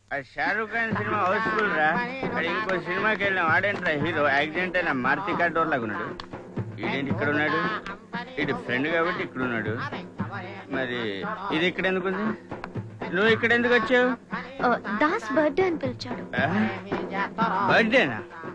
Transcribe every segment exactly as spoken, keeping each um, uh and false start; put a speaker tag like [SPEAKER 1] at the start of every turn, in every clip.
[SPEAKER 1] Shahrukh Khan cinema Housefull రా. ఇంకో సినిమాకి వెళ్ళాం, ఆడేంట్రా హీరో యాక్సిడెంట్ అయినా మారుతి కార్ డోర్ లాగా ఉన్నాడు. ఈడేంటి ఇక్కడ ఉన్నాడు? ఇది ఫ్రెండ్ కాబట్టి ఇక్కడ ఉన్నాడు. మరి ఇది ఇక్కడ ఎందుకుంది? నువ్వు ఇక్కడ ఎందుకు వచ్చావు?
[SPEAKER 2] దాస్ బర్త్డే అని పిలిచాడు.
[SPEAKER 1] బర్త్డేనా?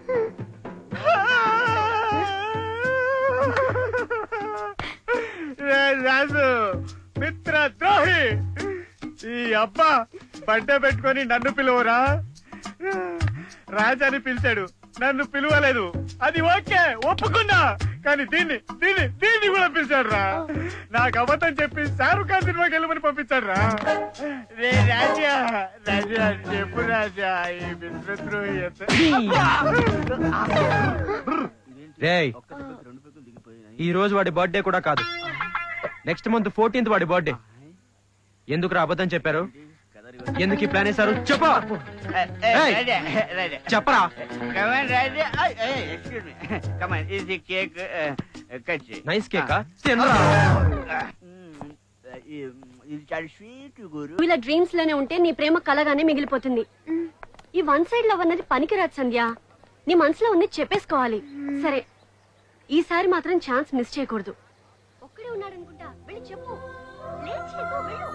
[SPEAKER 1] రాజు మిత్ర ద్రోహి, ఈ అబ్బా బర్త్డే పెట్టుకొని నన్ను పిలువరా? రాజాని పిలిచాడు, నన్ను పిలువలేదు. అది ఓకే, ఒప్పుకున్నా. కానీ దీన్ని దీన్ని దీన్ని కూడా పిలిచాడు రా. నాకు అబద్ధం చెప్పి షారూక్ ఖాన్ సినిమాకి వెళ్ళమని పంపించాడు రా. రే రాజా, రాజా చెప్పు రాజా, ఈ మిత్రద్రోహి
[SPEAKER 3] ఈ రోజు వాడి బర్త్డే కూడా కాదు, నెక్స్ట్ మంత్ ఫోర్టీన్త్ వాడి బర్త్డే. ఎందుకు రా అబద్ధం చెప్పారు? ఎందుకు ఈ ప్లాన్ వేశారు? చెప్పా చెప్పరా. Nice cake.
[SPEAKER 2] ఇలా డ్రీమ్స్ లోనే ఉంటే నీ ప్రేమ కలగానే మిగిలిపోతుంది. ఈ వన్ సైడ్ లవ్ అన్నది పనికిరాదు సంధ్య. నీ మనసులో ఉంది చెప్పేసుకోవాలి. సరే, ఈసారి మాత్రం ఛాన్స్ మిస్ చేయకూడదు. ఒక్కడే ఉన్నాడనుకుంటా, వెళ్ళి చెప్పు. లేట్ చేయకు, వెళ్ళు.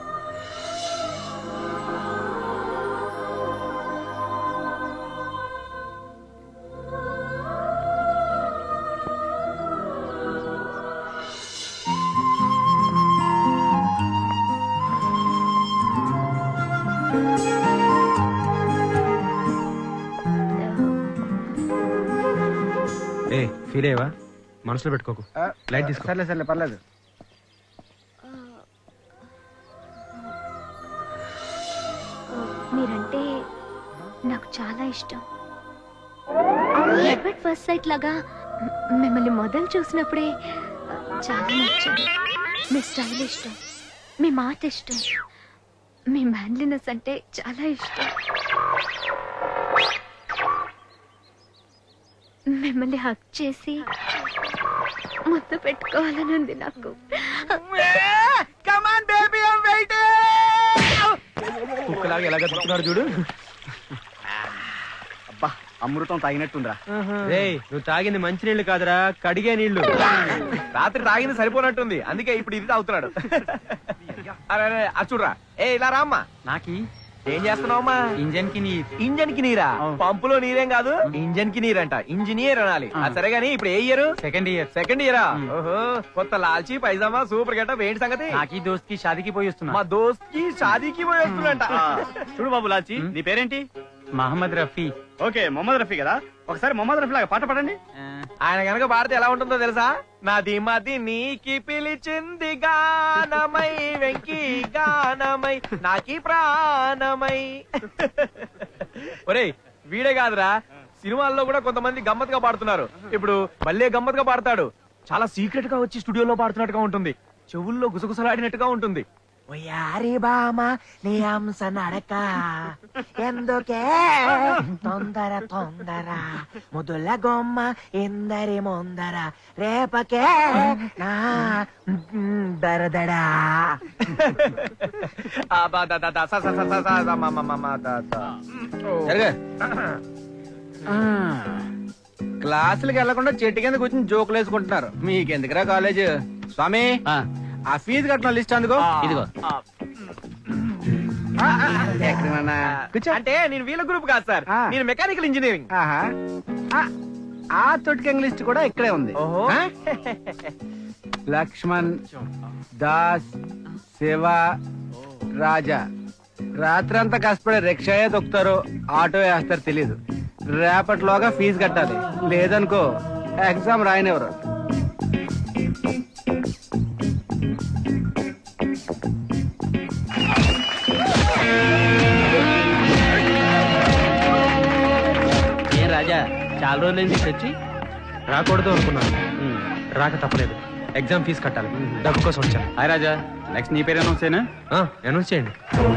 [SPEAKER 3] ఏ ఫీల్ అయ్యవా? మనసులో పెట్టుకోకు. లైట్ తీసుకో.
[SPEAKER 1] సర్లే సర్లే పర్లేదు.
[SPEAKER 2] మీరంటే నాకు చాలా ఇష్టం. ఎట్ ఫస్ట్ సైట్ లాగా మిమ్మల్ని మొదలు చూసినప్పుడే చాలా నచ్చారు. మీ స్టైల్ ఇష్టం, మీ మాట ఇష్టం, మీ మ్యాన్లీనెస్ అంటే చాలా ఇష్టం. మిమ్మల్ని హక్ చేసి ముద్దు పెట్టుకోవాలని ఉంది నాకు.
[SPEAKER 3] కుక్కలాగా ఎలాగ తిప్పుతున్నాడు చూడు.
[SPEAKER 1] అబ్బా, అమృతం తాగినట్టుందిరా.
[SPEAKER 3] రేయ్, నువ్వు తాగింది మంచి నీళ్లు కాదురా, కడిగే నీళ్లు.
[SPEAKER 4] రాత్రి తాగింది సరిపోనట్టుంది, అందుకే ఇప్పుడు ఇది తాగుతున్నాడు. అరే అచ్చుడ్రా, ఏ ఇలా రామ్మా.
[SPEAKER 3] నాకి
[SPEAKER 4] ఏం చేస్తున్నావమ్మా?
[SPEAKER 3] ఇంజన్ కి నీరు.
[SPEAKER 4] ఇంజన్ కి నీరా? పంపులో నీరేం కాదు, ఇంజన్ కి నీరంట. ఇంజనీర్ అనాలి. సరే గానీ ఇప్పుడు ఏ ఇయర్?
[SPEAKER 3] Second year.
[SPEAKER 4] సెకండ్ ఇయరా? ఓహో, కొత్త లాల్చి పైజామా సూపర్ గెటప్. ఏంటి సంగతి?
[SPEAKER 3] నాకి దోస్త్ కి షాదీకి పోయి వస్తున్నా.
[SPEAKER 4] మా దోస్త్ కి షాదీకి పోయి వస్తున్నంట.
[SPEAKER 1] చూడు బాబు లాల్చి, నీ పేరేంటి?
[SPEAKER 3] మహమ్మద్ రఫీ.
[SPEAKER 1] ఓకే, మొహమ్మద్ రఫీ కదా. ఒకసారి మొహమ్మద్ రఫీ లాగా పాట పాడండి.
[SPEAKER 4] ఆయన కనుక పాడితే ఎలా ఉంటుందో తెలుసా? నాది మది నీకి పిలిచింది గానమై, వెంకీ గానమై, నాకి ప్రాణమై. ఒరేయ్, వీడే కాదురా, సినిమాల్లో కూడా కొంతమంది గమ్మత్తుగా పాడుతున్నారు. ఇప్పుడు మళ్ళీ గమ్మత్తుగా పాడతాడు. చాలా సీక్రెట్ గా వచ్చి స్టూడియోలో పాడుతున్నట్టుగా ఉంటుంది. చెవుల్లో గుసగుసలాడినట్టుగా ఉంటుంది. ఒయారి బామ నీ అంశ నడక ఎందుకే తొందర తొందర ముదుల గొమ్మ ఇందరి ముందర రేపకే నా దరదడా.
[SPEAKER 1] క్లాసులకు వెళ్లకుండా చెట్టు కింద కూర్చొని జోకులు వేసుకుంటున్నారు. మీకెందుకురా కాలేజ్? స్వామి, ఆ ఫీజు కట్టిన లిస్ట్ అందుకో. ఇదిగో.
[SPEAKER 4] అంటే నేను వీళ్ళ గ్రూప్ కాదు సార్, నేను మెకానికల్ ఇంజనీరింగ్.
[SPEAKER 1] ఆ తొట్టికంగ్ లిస్ట్ కూడా ఇక్కడే ఉంది. లక్ష్మణ్, దాస్, శివ, రాజా రాత్రంతా కష్టపడి రిక్షాయే తొక్కుతారు, ఆటో వేస్తారు తెలీదు. రేపటిలోగా ఫీజు కట్టాలి, లేదనుకో ఎగ్జామ్ రాయనివ్వరు.
[SPEAKER 3] ఏ రాజా, చాలా రోజులైంది వచ్చి. రాకూడదు అనుకున్నాను, రాక తప్పలేదు. ఎగ్జామ్ ఫీజు కట్టాలి, డబ్బు కోసం వచ్చాను.
[SPEAKER 1] హాయ్ రాజా, నెక్స్ట్ నీ పేరు అనౌన్స్ చేయనా?
[SPEAKER 3] అనౌన్స్ చేయండి.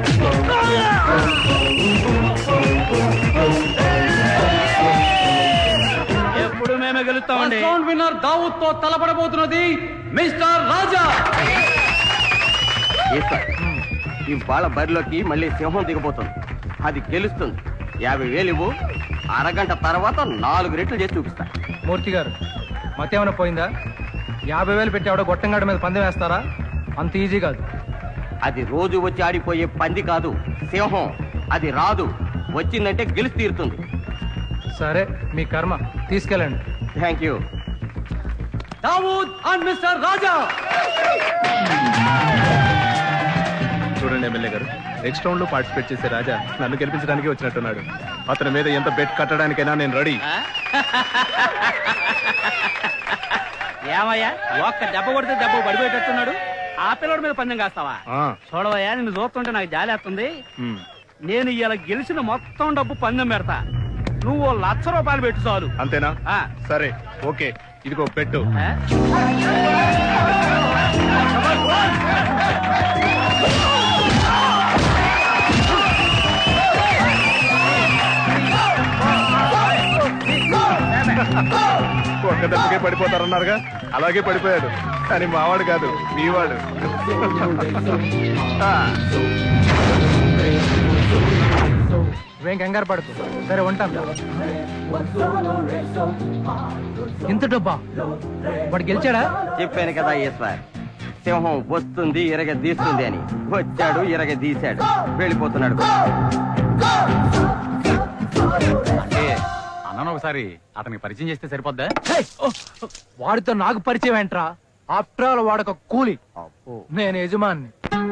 [SPEAKER 1] ఎప్పుడు మేమే గెలుస్తామండి.
[SPEAKER 3] విన్నర్ దావూద్ తో తలపడబోతున్నది మిస్టర్ రాజా.
[SPEAKER 1] ఇవాళ బరిలోకి మళ్ళీ సింహం దిగబోతుంది.
[SPEAKER 5] అది గెలుస్తుంది. యాభై వేలు ఇవ్వు, అరగంట తర్వాత నాలుగు రెట్లు చేసి చూపిస్తా.
[SPEAKER 3] మూర్తి గారు మతేమైనా పోయిందా? యాభై వేలు పెట్టి ఆవిడ గొట్టంగాడి మీద పందెం వేస్తారా? అంత ఈజీ కాదు.
[SPEAKER 5] అది రోజు వచ్చి ఆడిపోయే పంది కాదు, సింహం. అది రాదు, వచ్చిందంటే గెలిచి తీరుతుంది.
[SPEAKER 3] సరే మీ కర్మ, తీసుకెళ్ళండి.
[SPEAKER 5] Thank you.
[SPEAKER 3] Dawood and mister Raja.
[SPEAKER 6] చూడండి ఎమ్మెల్యే గారు, నెక్స్ట్ రౌండ్ లో పార్టిసిపేట్ చేసే రాజా నన్ను గెలిపించడానికి వచ్చినట్టున్నాడు. అతని మీద ఎంత బెట్ కట్టడానికైనా నేను రెడీ.
[SPEAKER 1] ఏమయ్యా, ఒక్క దెబ్బ కొడితే దెబ్బ పడిపోయేటట్టున్నాడు. ఆ పిల్లడి మీద పందెం కాస్తావా? చూడవయ్యా, నిన్ను చూస్తుంటే నాకు జాలేస్తుంది. నేను ఇలా గెలిచిన మొత్తం డబ్బు పందెం పెడతా. నువ్వు లక్ష రూపాయలు పెట్టు చాలు.
[SPEAKER 6] అంతేనా?
[SPEAKER 1] ఆ.
[SPEAKER 6] సరే, ఓకే, ఇదిగో పెట్టు.
[SPEAKER 1] ఆ?
[SPEAKER 6] ఒక్క దెబ్బకే పడిపోతారన్నారుగా, అలాగే పడిపోయాడు. కానీ మావాడు కాదు, మీవాడు.
[SPEAKER 3] నువ్వేం కంగారు పడుతు. సరే ఉంటాను. ఇంత డబ్బా వాడు గెలిచాడా?
[SPEAKER 5] చెప్పాను కదా ఈశ్వర్, సింహం వస్తుంది ఇరగ తీస్తుంది అని. వచ్చాడు, ఇరగ తీశాడు, వెళ్ళిపోతున్నాడు.
[SPEAKER 7] అంటే అన్నను ఒకసారి అతనికి పరిచయం చేస్తే సరిపోద్దా?
[SPEAKER 3] వాడితో నాకు పరిచయం ఏంట్రా? ఆఫ్టర్ ఆల్ వాడొక కూలి, నేను యజమాన్ని.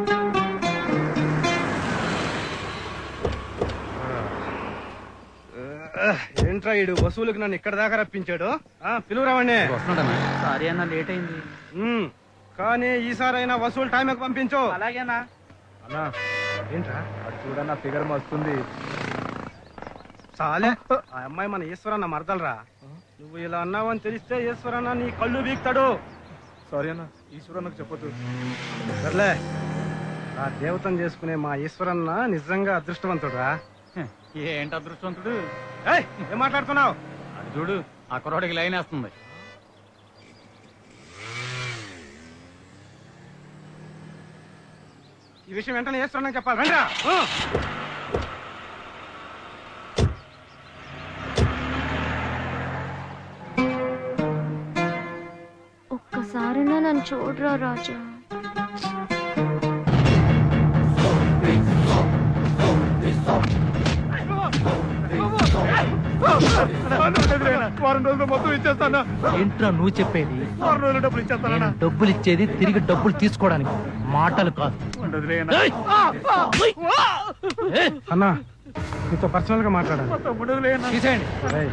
[SPEAKER 1] ఏంట్రా ఈడు వసూలుకి నన్ను ఇక్కడ దాకా రప్పించాడు? పిలువురావండి.
[SPEAKER 7] సారీ అన్న, లేట్ అయింది.
[SPEAKER 1] కానీ ఈసారైనా వసూలు టైంకి పంపించు.
[SPEAKER 7] అలాగేనా
[SPEAKER 6] అన్నా ఏంట్రా అటు చూడన్నా, ఫిగర్ వస్తుంది.
[SPEAKER 1] చాలే, ఆ అమ్మాయి మన ఈశ్వరన్న మరదలరా. నువ్వు ఇలా అన్నావని తెలిస్తే ఈశ్వరన్న నీ కళ్ళు వీక్తాడు.
[SPEAKER 6] సారీ అన్న, ఈశ్వరన్నకు చెప్పొద్దు.
[SPEAKER 1] సర్లే, ఆ దేవతను చేసుకునే మా ఈశ్వరన్న నిజంగా అదృష్టవంతుడురా.
[SPEAKER 7] ఏంటి అదృష్టవంతుడు?
[SPEAKER 1] ఏయ్, ఏం మాట్లాడుతున్నావు?
[SPEAKER 7] అది చూడు, ఆ కుర్రాడికి లైన్ వేస్తుంది.
[SPEAKER 1] ఈ విషయం వెంటనే ఈశ్వరన్న చెప్పాలి. రండిరా.
[SPEAKER 8] ఒక్కసారైనా నన్ను చూడరా రాజా.
[SPEAKER 6] వారం రోజులు మొత్తం ఇచ్చేస్తానా?
[SPEAKER 3] ఏంట్రా నువ్వు చెప్పేది?
[SPEAKER 6] వారం రోజులు డబ్బులు ఇచ్చేస్తానా?
[SPEAKER 3] నేను డబ్బులు ఇచ్చేది తిరిగి డబ్బులు తీసుకోవడానికి, మాటలు కాదు.
[SPEAKER 1] అన్నా, నీతో పర్సనల్ గా మాట్లాడాలి.
[SPEAKER 3] తీసేయండి.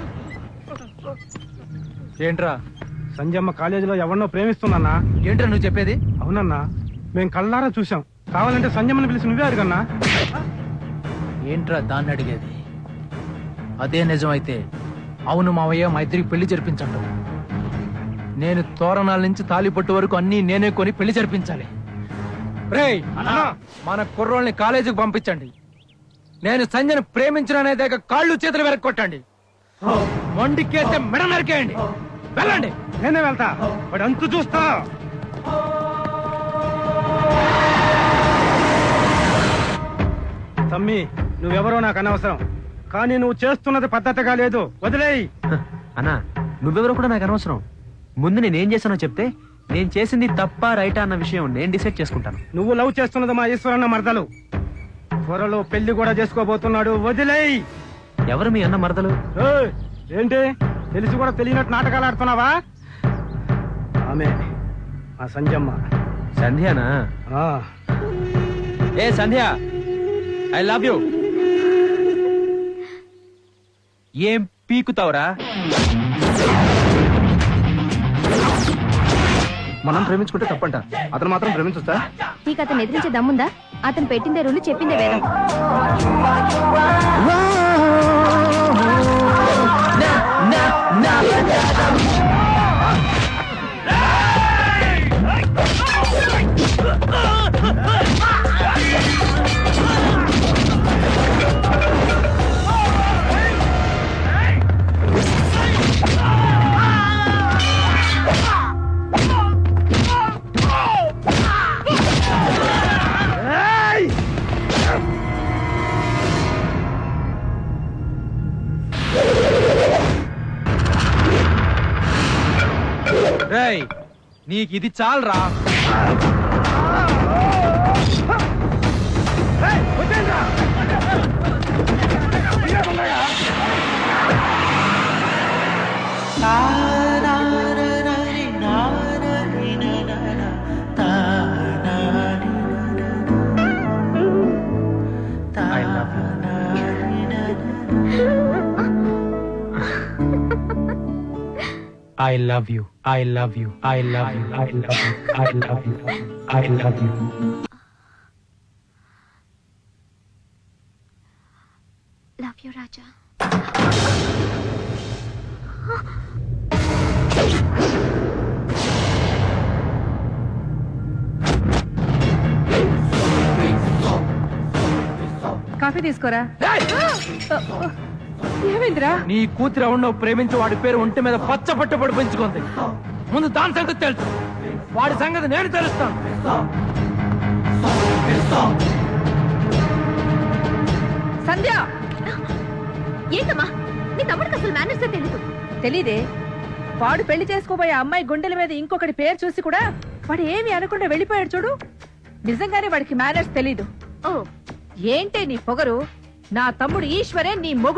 [SPEAKER 3] ఏంట్రా?
[SPEAKER 1] సంజయమ్మ కాలేజీలో ఎవరినో ప్రేమిస్తుందన్నా.
[SPEAKER 3] ఏంట్రా నువ్వు చెప్పేది?
[SPEAKER 1] అవునన్నా, మేము కళ్ళారా చూసాం. కావాలంటే సంజయమ్మని పిలిచి నువ్వే అడిగన్నా.
[SPEAKER 3] ఏంట్రా దాన్ని అడిగేది? అదే నిజమైతే అవును మావయ్య, మా ఇద్దరికి పెళ్లి జరిపించండి. నేను తోరణాల నుంచి తాలిపట్టు వరకు అన్ని నేనే కొని పెళ్లి జరిపించాలి. రేయ్, మన కుర్రోళ్ళని కాలేజీకి పంపించండి. నేను సంజయను ప్రేమించిననేదాక కాళ్ళు చేతులు వెరక్కొట్టండి. మొండికేస్తే మెడ నరికేయండి. వెళ్ళండి.
[SPEAKER 1] నేనే వెళ్తా, వాడు అంతు చూస్తా. తమ్మి, నువ్వెవరో నాకు అనవసరం, కానీ నువ్వు చేస్తున్నది పద్ధతిగా లేదు. వదిలేయి.
[SPEAKER 3] అన్నా, నువ్వెవరో కూడా నాకు అనవసరం. ముందు నేనేం చేశానో చెప్తే నేను చేసింది తప్ప రైటా అన్న విషయం నేను డిసైడ్ చేసుకుంటాను.
[SPEAKER 1] నువ్వు లవ్ చేస్తున్నది మా ఈశ్వరన్న మరదలు. త్వరలో పెళ్లి కూడా చేసుకోబోతున్నాడు. వదిలేయి.
[SPEAKER 3] ఎవరు మీ అన్న మరదలు?
[SPEAKER 1] ఏయ్, ఏంటి తెలిసి కూడా తెలియనట్టు నాటకాలు ఆడుతున్నావా? ఆమె మా సంజమ్మ.
[SPEAKER 3] సంధ్యానా?
[SPEAKER 1] ఆ.
[SPEAKER 3] ఏ సంధ్య, ఐ లవ్ యూ. ఏం పీకుతావురా?
[SPEAKER 6] మనం ప్రేమించుకుంటే తప్పంట, అతను మాత్రం ప్రేమించొచ్చా?
[SPEAKER 8] నీకు అతను ఎదిరించే దమ్ముందా? అతను పెట్టిందే రూలు, చెప్పిందే వేదం.
[SPEAKER 3] రేయ్ నీకు ఇది చాలరా. I love you. I love you. I love you. I love you. I love you. I love you. I love you.
[SPEAKER 8] Love you Raja.
[SPEAKER 9] Coffee తీసుకోరా. ఏమైందిరా?
[SPEAKER 3] నీ కూతురు ఎవరినో ప్రేమించి వాడి పేరు ఒంటి మీద పచ్చ పట్టుబడి పెంచుకుంది. ముందు దాని సంగతి తెలుసు, వాడి సంగతి నేను తెలుస్తాను.
[SPEAKER 9] సంధ్య,
[SPEAKER 8] ఏంటమ్మా నీ తమ్ముడికి అసలు మేనర్స్ తెలీదు.
[SPEAKER 9] తెలీదే? వాడు పెళ్లి చేసుకోబోయే అమ్మాయి గుండెల మీద ఇంకొకటి పేరు చూసి కూడా వాడు ఏమి అనకుండా వెళ్ళిపోయాడు చూడు. నిజంగానే వాడికి మేనర్స్ తెలీదు.
[SPEAKER 8] ఓ
[SPEAKER 9] ఏంటే నీ పొగరు? నా తమ్ముడు ఈశ్వరే నీ మొగుడు.